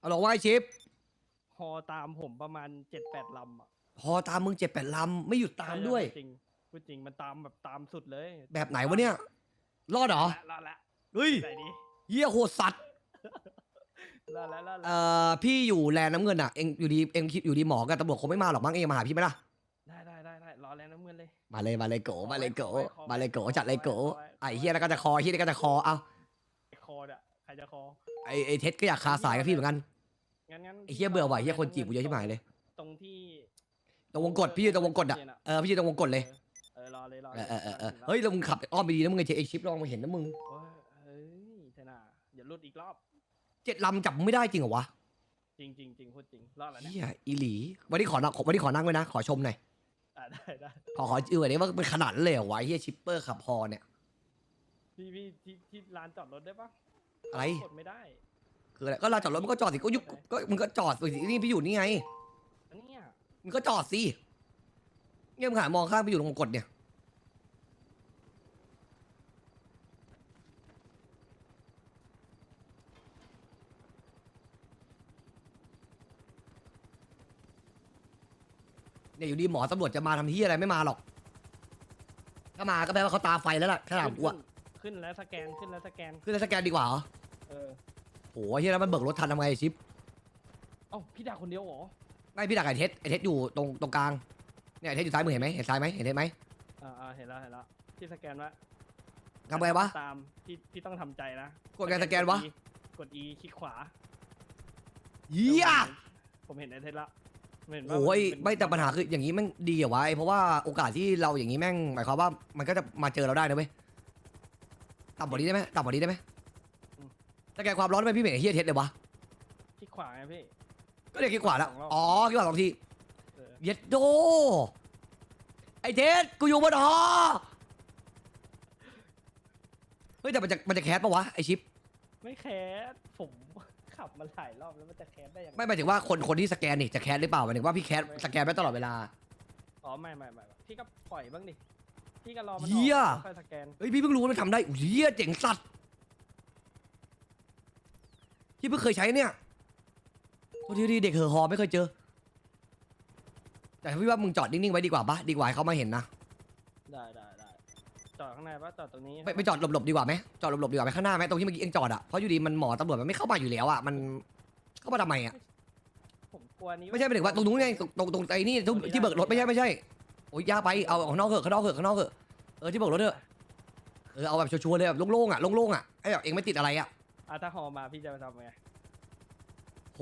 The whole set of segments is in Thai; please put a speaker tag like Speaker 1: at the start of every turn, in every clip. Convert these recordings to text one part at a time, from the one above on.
Speaker 1: เอาหรอว่าไอชิป
Speaker 2: ฮอตามผมประมาณ7-8 ลำอ่ะ
Speaker 1: พอตามมึง7-8 ลำไม่หยุดตามด้วย
Speaker 2: จริงพูดจริงมันตามแบบตามสุดเลย
Speaker 1: แบบไหนวะเนี่ยรอดเหรอ
Speaker 2: รอดละ
Speaker 1: เฮ้ย
Speaker 2: ไหนดี
Speaker 1: เหี้ยโหดสัตว์
Speaker 2: รอดแล้ว
Speaker 1: พี่อยู่แลนด์น้ำเงินอ่ะเองอยู่ดีเองคิดอยู่ดีหมอกับตำรวจคงไม่มาหรอกมั้งเองมาหาพี่ไหมล่ะ
Speaker 2: ได้รอแล้วน้ำเงินเลย
Speaker 1: มาเลยโกมาเลยโก
Speaker 2: ขอไว้
Speaker 1: มาเลยโกจัดเลยโก
Speaker 2: ขอไว้
Speaker 1: ไอ้เฮียแล้วก็จะคอเฮียแล้วก็จะคอเอา
Speaker 2: คอเนี่ยใครจะคอ
Speaker 1: ไอ้เท็ดก็อยากคาสายกับพี่เหมือนกัน
Speaker 2: งั้น
Speaker 1: ไอ้เฮียเบื่อว่ะเฮียคนจีบกูเยอะที่หมายเลย
Speaker 2: ตรงที่
Speaker 1: ตรงวงกดพี่อยู่ตรงวงกดอ่ะพี่อยู่ตรงวงกดเลย
Speaker 2: รอเลย
Speaker 1: เฮ้ยแล้วมึงขับอ้อมไปดีนะมึงไอ้ชิปลองมาเห็นนะมึง
Speaker 2: เฮ้ยเทน่าอย่าหลุดอีกรอบ
Speaker 1: 7 ลำจับมึงไม่ได้จริงเหรอวะ
Speaker 2: จริงพูดจริงรอดแล้วเนี่ย
Speaker 1: เฮียอีหลีวันนี้ขอนั่งไว้นะขอชมหน่อย
Speaker 2: ได้
Speaker 1: ขอจื้อหน่อยว่าเป็นขนาดนั้นเลยเหรอวะเฮียชิปเปอร์ขับพอเนี่ย
Speaker 2: พี่ที่ลานจอดรถได้ปะ
Speaker 1: อะไร
Speaker 2: กดไม่ได้
Speaker 1: คืออะไรก็ลานจอดรถมึงก็จอดสิก็มึงก็จอดสินี่พี่อยู่นี่ไง
Speaker 2: อันเนี้ย
Speaker 1: มึงก็จอดสิเงี้ยมึงหันมองข้างไปอยู่ตรงวงกดเนี่ยอยู่ดีหมอตำรวจจะมาทำที่อะไรไม่มาหรอกถ้ามาก็แปลว่าเขาตาไฟแล้วล่ะถ้าถามกูอะ
Speaker 2: ขึ้นแล้วสแกนขึ้นแล้วสแกน
Speaker 1: ขึ้นแล้วสแกนดีกว่าเหรอ
Speaker 2: เออ
Speaker 1: โหเฮียแล้วมันเบิกรถทันทำไงชิป
Speaker 2: เอ้าพี่ดาคนเดียวเหรอ
Speaker 1: ไม่พี่ดักไอเทสอยู่ตรงกลางเนี่ยไอเทสอยู่ซ้ายมือเห็นไหมเห็นซ้ายไหมเห็นไหม
Speaker 2: เห็นแล้วที่สแกนวะ
Speaker 1: ทำไงวะ
Speaker 2: ตามพี่ต้องทำใจนะ
Speaker 1: กดไงสแกนวะ
Speaker 2: กด E คลิกขวา
Speaker 1: เฮีย
Speaker 2: ผมเห็นไอเทสละเห็นว่า
Speaker 1: โอ้ย
Speaker 2: นเป็น
Speaker 1: ไม่แต่ปัญหาคืออย่างนี้แม่งดีเหรอวะเพราะว่าโอกาสที่เราอย่างนี้แม่งหมายความว่ามันก็จะมาเจอเราได้นะเว้ยต่ำกว่านี้ได้ไหมต่ำกว่านี้ได้ไหมสแกนความร้อนไปพี่เหม่งเฮียเทสเลยวะ
Speaker 2: คลิกขวาไงพี่
Speaker 1: ก็เรียกคลิกขวาแล้ว
Speaker 2: 2 รอบ
Speaker 1: อ๋อคลิกขวา2 ที
Speaker 2: เออ
Speaker 1: เย็ดโดไอเทสกูอยู่บนหอเฮ้ยแต่มันจะแคสปะวะไอชิป
Speaker 2: ไม่แคสผมขับมาหลายรอบแล้วมันจะแคสได้ยังไง
Speaker 1: ไม่หมายถึงว่าคนที่สแกนนี่จะแคสหรือเปล่าหมายถึงว่าพี่แคสสแกนไปตลอดเวลา
Speaker 2: อ๋อไม่พี่ก็ปล่อยบ้างดิพี่ก็รอมันอ
Speaker 1: เหี้ย
Speaker 2: อกค่อยสแกน
Speaker 1: เฮ้ยพี่เพิ่งรู้ว่ามันทำได้เฮียเจ๋งสัตว์ที่เพิ่งเคยใช้เนี่ยโทษทีเด็กเหอะหอไม่เคยเจอ แต่พี่ว่ามึงจอดนิ่งๆไว้ดีกว่าปะดีกว่าให้เขามาเห็นนะ
Speaker 2: ได้จอดข้างในปะจอดตรงนี้
Speaker 1: ไปจอดหลบๆดีกว่าไหมจอดหลบๆดีกว่าไหมข้างหน้าไหมตรงที่เมื่อกี้เองจอดอะเพราะอยู่ดีมันหมอตำรวจมันไม่เข้ามาอยู่แล้วอะมันเข้ามาทำไมอะ
Speaker 2: ผมกลัวนี้
Speaker 1: ไม่ใช่หมายถึงว่าตรงนู้นไงตรงไอ้นี่ที่เบิกรถไม่ใช่โอ้ยยากไปเอาข้างนอกเถอะข้างนอกเถอะที่เบิกรถเถอะเอาแบบชัวร์ๆเลยแบบโล่งๆอะไอ้แบบเองไม่ติดอะไรอะ
Speaker 2: ถ้าฮอมาพี่จะไปทำไง
Speaker 1: โห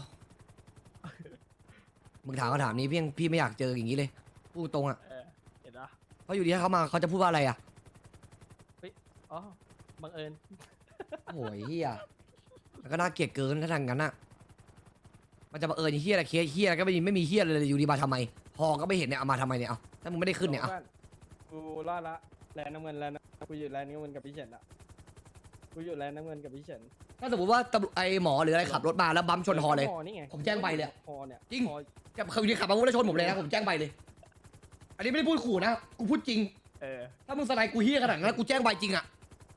Speaker 1: มึงถามคำถามนี้พี่ไม่อยากเจออย่างนี้เลยพูดตรงอะ
Speaker 2: เห็นปะ
Speaker 1: เพราะอยู่ดีถ้าเขามาเขาจะพูดว่าอะไรอะ
Speaker 2: อ๋อบังเอิญ
Speaker 1: โอ้ยเฮียแล้วก็น่าเกลียดเกินถ้าทางนั้นอะมันจะมาเฮียอะไรเคสเฮียอะไรก็ไม่มีเฮียเลยอยู่ดีมาทำไมพอก็ไม่เห็นเนี่ยเอามาทำไมเนี่ยเอาถ้ามึงไม่ได้ขึ้นเนี่ยเอา
Speaker 2: กูรอดละแลนน้ำเงินแล้วนะกูอยู่แลนน้ำเงินกับพี่เฉินละกูอยู่แลนน้ำเงินกับพี่เฉิน
Speaker 1: ถ้าสมมติว่าไอหมอหรืออะไรขับรถมาแล้วบัมชนฮอเลย
Speaker 2: นี่ไง
Speaker 1: ผมแจ้งใบเลย
Speaker 2: ฮอเนี่ย
Speaker 1: จริง
Speaker 2: ฮอ
Speaker 1: จะเคยขับมาแล้วชนผมเลยนะผมแจ้งใบเลย อันนี้ไม่ได้พูดขู่นะกูพูดจริง ถ้ามึงสไนกูเฮียขนาดนั้นกูแจ้งใบจริงอะ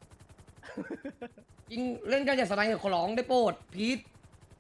Speaker 1: จริงเล่นกันอย่าสไนขอร้องได้โปรดพีท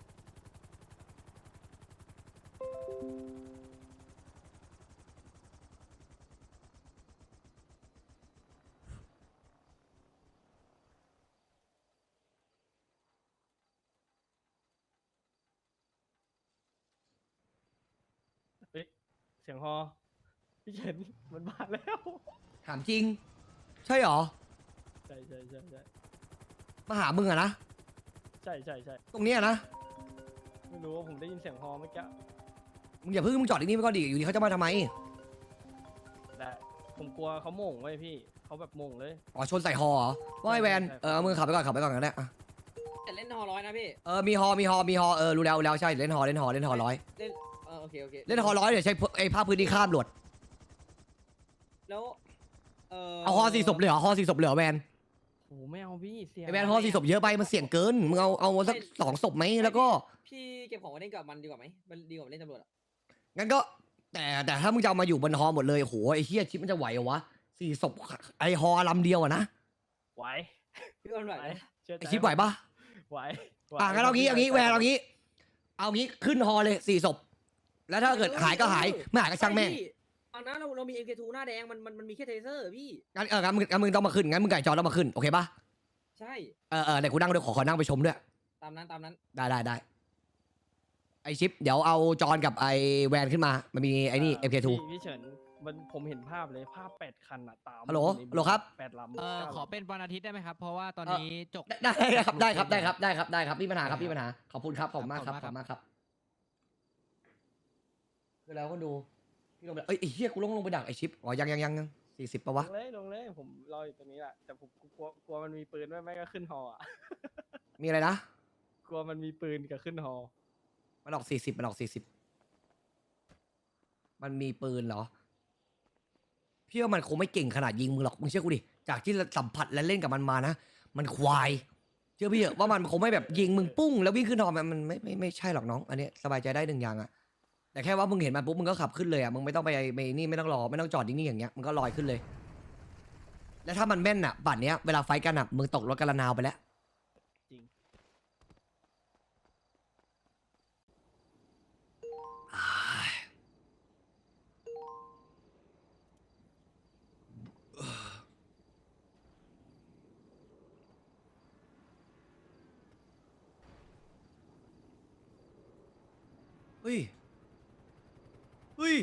Speaker 2: เสียงฮอพี่เฉินมันมาแล้ว
Speaker 1: ถามจริง ใช่หรอ
Speaker 2: ใช่
Speaker 1: มาหามึงอะนะ
Speaker 2: ใช่
Speaker 1: ตรงเนี้ยนะ
Speaker 2: ไม่รู้ว่าผมได้ยินเสียงฮอเมื่อกี้
Speaker 1: มึงอย่าเพิ่งมึงจอดที่นี่ไม่ก็ดีอยู่ดีเขาจะมาทำไม
Speaker 2: แต่ผมกลัวเขาโหม่งไว้พี่เขาแบบโหม่งเลย
Speaker 1: อ๋อชนใส่ฮอเหรอว่าไอแวน
Speaker 2: ใช่
Speaker 1: เอามือขับไปก่อนกันได้อะ
Speaker 3: แต่เล่นฮอ100นะพี่
Speaker 1: มีฮอรู้แล้วใช่เล่นฮอ100
Speaker 3: เล่นโอเค
Speaker 1: เล่นฮอ100เดี๋ยวใช้ไอ้ภาพพื้นที่ข้ามหลวด
Speaker 3: แล้ว
Speaker 1: เอาฮอ4 ศพเลยเหรอฮอ4 ศพเลยเหรอแวน
Speaker 2: โหไม่เอาพี่เสียง
Speaker 1: ไอแวนฮอ4 ศพเยอะไปมันเสี่ยงเกินมึงเอาสัก2 ศพไหมแล้วก็
Speaker 3: พี่เก็บของไว้เล่นกับมันดีกว่าไหมมันดีกว่าเล่นตำรวจอะ
Speaker 1: งั้นก็แต่ถ้ามึงจะเอามาอยู่บนฮอหมดเลยโหไอ้เฮียชิปมันจะไหวเหรอวะ4 ศพไอฮอลำเดียวอะนะ
Speaker 2: ไหว
Speaker 3: พี่อ้นไหวไหม
Speaker 2: เชื่อใจ
Speaker 1: ไอชิปไหวปะ
Speaker 2: ไหว
Speaker 1: งั้นเอางี้แวนเอางี้เอางี้ขึ้นฮอเลย4 ศพแล้วถ้าเกิดหายก็หายไม่หายก็ช่างแม่ง
Speaker 3: พี่เอานะเรามี MK2 หน้าแดงมันมีแค่เทเซอร์พี่
Speaker 1: งั้นมึงต้องมาขึ้นงั้นมึงไก่จอต้องมาขึ้นโอเคปะ
Speaker 3: ใช่
Speaker 1: เดี๋ยวกูนั่งด้วยขอนั่งไปชมด้วย
Speaker 3: ตามนั้น
Speaker 1: ได้ไอชิปเดี๋ยวเอาจอนกับไอแวนขึ้นมามันมีไอนี่ MK2
Speaker 2: พี่เฉินผมเห็นภาพเลยภาพ8 คันอะตาม
Speaker 1: ฮัลโหล
Speaker 2: ใน
Speaker 1: ฮัลโหลครับ
Speaker 2: 8 ลำ
Speaker 4: ขอเป็นวันอาทิตย์ได้ไหมครับ เพราะว่าตอนนี้จบ
Speaker 1: ได้ครับพี่ปัญหาครับพี่ปัญหาขอบคุณครับขอบคุณมากครับ
Speaker 4: ข
Speaker 1: ข
Speaker 4: อ
Speaker 1: อ
Speaker 4: บบ คุ
Speaker 1: คุณ ณ
Speaker 4: มาม
Speaker 1: าก กครับคือแล้วก็ดูพี่ลงไปเอ้ยไอ้เหี้ยกูลงไปดักไอชิปอ๋อยัง40ปะวะ
Speaker 2: ลงเลยผมรออยู่ตรงนี้แหละแต่ผมกลัวมันมีปืนไม่ก็ขึ้นฮออะ
Speaker 1: มีอะไรนะ
Speaker 2: กลัวมันมีปืนกับขึ้นฮอ
Speaker 1: มันออก40มันมีปืนเหรอพี่ว่ามันคงไม่เก่งขนาดยิงมึงหรอกมึงเชื่อกูดิจากที่สัมผัสและเล่นกับมันมานะมันควายเชื่อพี่เถอะว่ามันคงไม่แบบยิงมึงปุ้งแล้ววิ่งขึ้นหอมันไม่ใช่หรอกน้องอันนี้สบายใจได้1 อย่างอะแต่แค่ว่ามึงเห็นมันปุ๊บมึงก็ขับขึ้นเลยอะมึงไม่ต้องไปนี่ไม่ต้องรอไม่ต้องจอดนิ่งๆอย่างเงี้ยมึงก็ลอยขึ้นเลย แล้วถ้ามันแม่นอะบัตรเนี้ยเวลาไฟท์กันอะมึงตกรถกันละนาวไปแล้ว
Speaker 2: จริง
Speaker 1: เฮ้ยเฮ้ย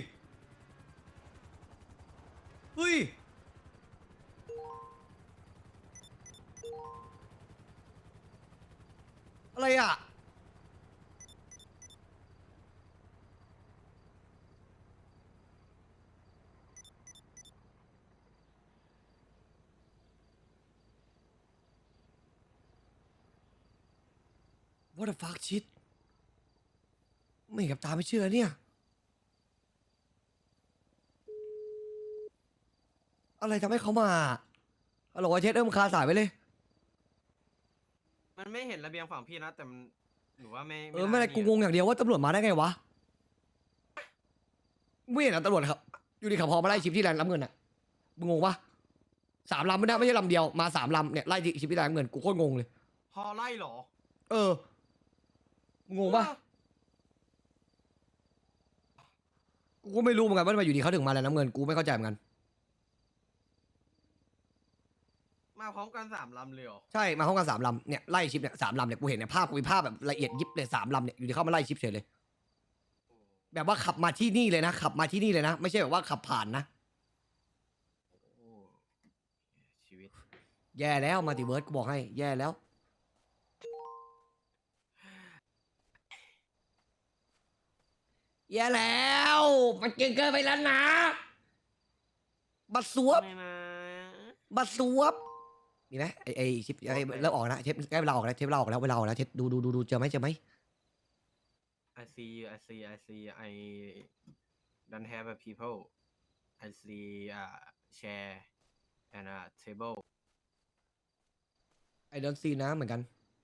Speaker 1: เฮ้ยอะไรอ่ะWhat the fuck shit ไม่เห็นกับตาไม่เชื่อเนี่ยอะไรทำให้เขามาฮัลโหลเช็ดคาสายไปเลย
Speaker 5: มันไม่เห็นระเบียงฝั่งพี่นะ แต่มันหนูว่าไม่
Speaker 1: ไม่ได้
Speaker 5: น่า
Speaker 1: กูงงอย่างเดียวว่าตำรวจมาได้ไงวะไม่เห็นเหรอตำรวจครับอยู่ดีขับพอมาไล่ชิปที่แลนด์รับเงินอ่ะมึงงงปะ3 ลำไม่ได้ไม่ใช่ลำเดียวมา3 ลำเนี่ยไล่ชิปที่แลนด์รับเงินกูโคตรงงเลย
Speaker 5: พอไล่เหรอ
Speaker 1: มึงงงปะกูก็ไม่รู้เหมือนกันว่าทำไมอยู่ดีเขาถึงมาแลนด์รับเงินกูไม่เข้าใจเหมือนกัน
Speaker 5: มาพร้อมกัน3 ลำเลยเหรอ
Speaker 1: ใช่มาห้องกัน3 ลำเนี่ยไล่ชิปเนี่ย3 ลำเนี่ยกูเห็นเนี่ยภาพกูมีภาพแบบละเอียดยิบเลย3 ลำเนี่ยอยู่ดีเข้ามาไล่ชิปเฉยเลย แบบว่าขับมาที่นี่เลยนะขับมาที่นี่เลยนะ ไม่ใช่แบบว่าขับผ่านนะ
Speaker 5: โอ้ชีวิต
Speaker 1: แย่แล้วมัลติเวิร์สกูบอกให้แย่แล้ว แย่แล้วมันเก่งเกินไปแล้วนะบัตรสวบ
Speaker 5: ไม่นะ
Speaker 1: บัตรสวบมีไหมไอชิปไอเริ่มออกนะเทปใกล้เวลาออกแล้วเทปเวลาออกแล้วเวลาออกแล้วเทปดูเจอไหม
Speaker 5: I see I don't have a people I see chair and a table
Speaker 1: I don't see นะเหมือนกัน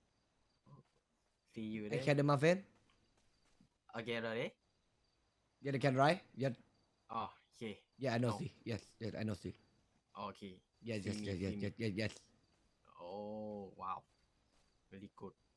Speaker 5: see you
Speaker 1: I
Speaker 5: there
Speaker 1: can do my friend
Speaker 5: okay เลย
Speaker 1: yeah they can right yeah
Speaker 5: อ๋อโอเค
Speaker 1: yeah I know
Speaker 5: No.
Speaker 1: see yes yes I know see
Speaker 5: โอเค
Speaker 1: yes
Speaker 5: See me, see me.
Speaker 1: yes
Speaker 5: โอ้ว้าว very good